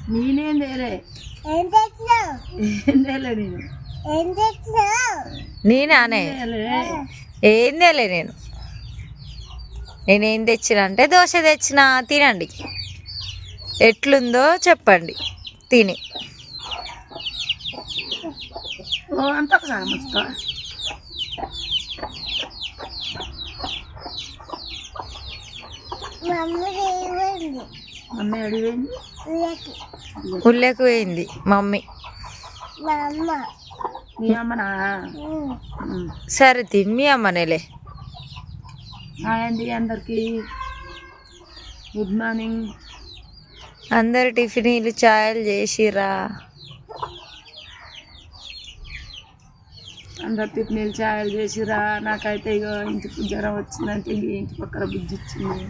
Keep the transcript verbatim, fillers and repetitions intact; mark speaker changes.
Speaker 1: నేనేం తేలే
Speaker 2: ఏం తెచ్చినావు
Speaker 1: ఏం తేలే నేను
Speaker 2: ఏం తెచ్చినావు
Speaker 3: నేనానే ఏం తేలే నేను నేనేం తెచ్చిన అంటే దోశ తెచ్చిన తినండి ఎట్లుందో చెప్పండి తిని
Speaker 1: ఓ అంత ఒకసారి ముచ్చుకో
Speaker 2: మమ్మీ ఏమైంది
Speaker 1: మమ్మీ అడిగింది
Speaker 2: ఉల్లకి
Speaker 3: ఉల్లెకు పోయింది మమ్మీ
Speaker 2: మా అమ్మ
Speaker 1: మీ అమ్మనా
Speaker 2: ఉమ్.
Speaker 1: ఉమ్.
Speaker 3: సరే తిని మీ అమ్మనేలే
Speaker 1: హాయ్ అండి అందరికి గుడ్ మార్నింగ్
Speaker 3: అందరు టిఫిన్లు ఛాయలు చేసిరా
Speaker 1: అందరు టిఫిన్లు ఛాయలు చేసిరా నాకైతే ఇక ఇంటికి జ్వరం వచ్చిందంటే ఇంటి పక్కన బుజ్జి ఇచ్చింది